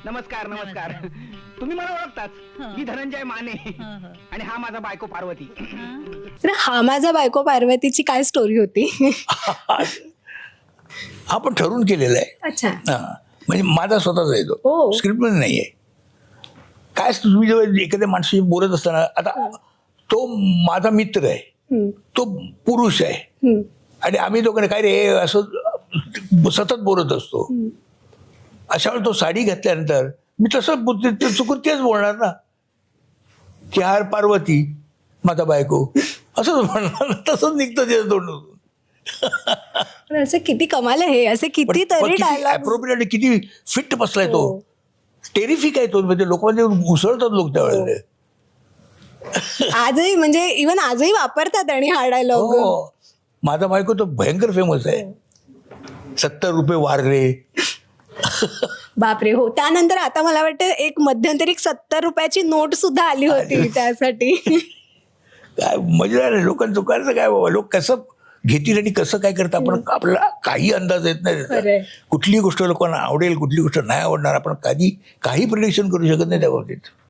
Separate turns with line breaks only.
नमस्कार नमस्कार. तुम्ही मला ओळखताच. मी धनंजय माने आणि हा माझा बायको पार्वती.
तर हा माझा बायको पार्वतीची काय स्टोरी होती?
आपण ठरवून केलेला आहे.
अच्छा.
हा म्हणजे माझा स्वतःचा आहे
हो.
तो, स्क्रिप्टमध्ये नाही आहे. काय तुम्ही जेव्हा एखाद्या माणसाशी बोलत असताना, आता तो माझा मित्र आहे, तो पुरुष आहे आणि आम्ही दोघांना काय रे असं सतत बोलत असतो. अशा वेळी तो साडी घातल्यानंतर मी तसं चुकून तेच बोलणार ना की हार पार्वती माझा बायको असंच म्हणणार, तसंच निघतं त्याचं तोंडून.
पण असं किती कमाल आहे, असे किती तरी डायलॉग.
अप्रोप्रिएट, किती फिट बसलाय तो. टेरिफिक आहे तो, म्हणजे लोकांमध्ये उसळतात लोक त्यावेळेला.
आजही म्हणजे इव्हन आजही वापरतात आणि हा डायलॉग.
हो, माझा बायको तो भयंकर फेमस आहे. 70 रुपये वार रे.
बापरे. हो, त्यानंतर आता मला वाटतं एक मध्यंतरी 70 रुपयाची नोट सुद्धा आली होती त्यासाठी.
काय मजा आहे लोकांचं. करायचं काय बाबा, लोक कसं घेतील आणि कसं काय करतात आपण, आपल्याला काही अंदाज येत नाही त्याचा.
खरंय.
कुठली गोष्ट लोकांना आवडेल, कुठली गोष्ट नाही आवडणार, आपण कधी काही प्रिडिक्शन करू शकत नाही त्या बाबतीत.